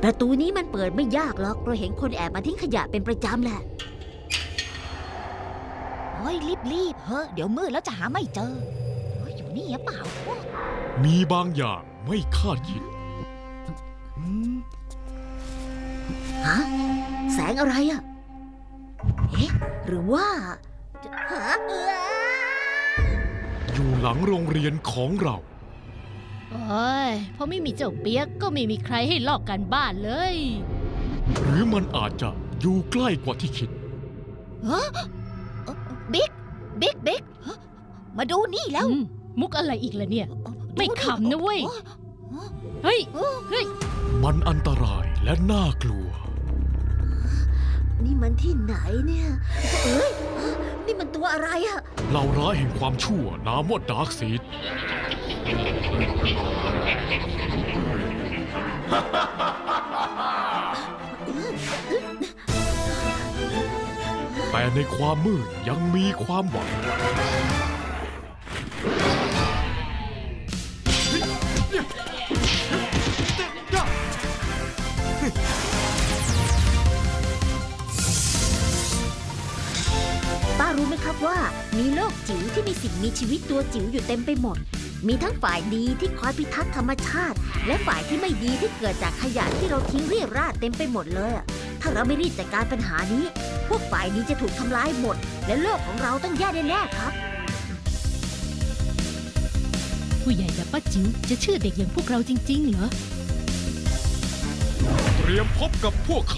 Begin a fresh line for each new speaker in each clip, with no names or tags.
ประตูนี้มันเปิดไม่ยากหรอกเราเห็นคนแอบมาทิ้งขยะเป็นประจำแหละ
โอ้ยรีบเฮ้เดี๋ยวมืดแล้วจะหาไม่เจอเฮ้ยอยู่นี่หรือเปล่า
มีบางอย่างไม่คาดคิด
ฮะแสงอะไรอ่ะเอ๊ะหรือว่าฮะ
อยู่หลังโรงเรียนของเรา
โอ้ยพอไม่มีเจ้าเปียกก็ไม่มีใครให้ลอกกันบ้านเลย
หรือมันอาจจะอยู่ใกล้กว่าที่คิด
บิ๊กเฮ้อมาดูนี่แล้ว
มุกอะไรอีกล่ะเนี่ย ไม่ขำนะเว้ย เฮ้ย เฮ้ย
มันอันตรายและน่ากลัว
นี่มันที่ไหนเนี่ยเอ้ยนี่มันตัวอะไรอ่ะ
เหล่าร้ายแห่งความชั่วนามว่าดาร์กซีดแต่ในความมืดยังมีความหวัง
ป้ารู้ไหมครับว่ามีโลกจิ๋วที่มีสิ่งมีชีวิตตัวจิ๋วอยู่เต็มไปหมด มีทั้งฝ่ายดีที่คอยพิทักษ์ธรรมชาติ และฝ่ายที่ไม่ดีที่เกิดจากขยะที่เราทิ้งเรี่ยราดเต็มไปหมดเลยอะถ้าเราไม่รีบจัดการปัญหานี้ พวกฝ่ายดีจะถูกทำลายหมด และโลกของเราต้องแย่แน่ๆครับ
ผู้ใหญ่แบบป้าจิ๋วจะเชื่อเด็กอย่างพวกเราจริงๆเหรอ
เตรียมพบกับพวกเขา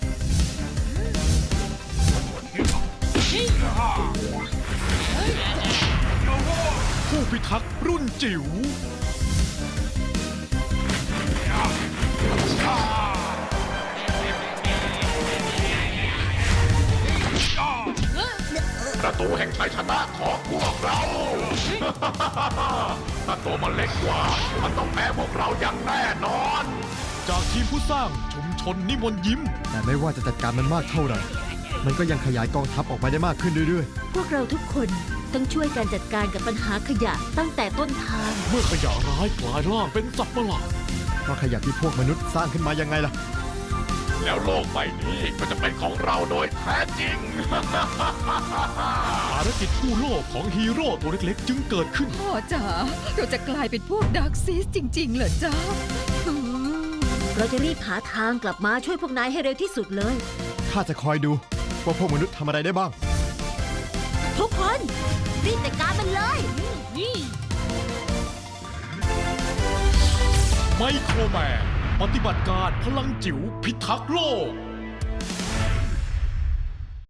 ผู้พิทักษ์รุ่นจิ๋ว
ประตูแห่งชัยชนะของพวกเรา ถ้าตัวมันเล็กกว่า มันต้องแพ้พวกเราอย่างแน่นอน
จากทีมผู้สร้างชุมชนนิมนต์ยิ้ม
แต่ไม่ว่าจะจัดการมันมากเท่าไหร่ มันก็ยังขยายกองทัพออกมาได้มากขึ้นเรื่อย
พวกเราทุกคนต้องช่วยกันจัดการกับปัญหาขยะตั้งแต่ต้นทาง
เมื่อขยะร้ายกลายร่างเป็นสัตว์ประหลาด
ๆว่าขยะที่พวกมนุษย์สร้างขึ้นมายังไงล่ะ
แล้วโลกใบนี้ก็จะเป็นของเราโดยแท้จริง
ภารกิจกู้โลกของฮีโร่ตัวเล็กๆ จึงเกิดขึ้น
พ่อจ๋าเราจะกลายเป็นพวกดาร์กซีสจริงๆเหรอจ๊ะ
เราจะรีบหาทางกลับมาช่วยพวกนายให้เร็วที่สุดเลย
ข้าจะคอยดูว่าพวกมนุษย์ทำอะไรได้บ้าง
ทุกคนรีบจัดการมันเลย
ไมโครแมนปฏิบัติการพลังจิ๋วพิทักษ์โลก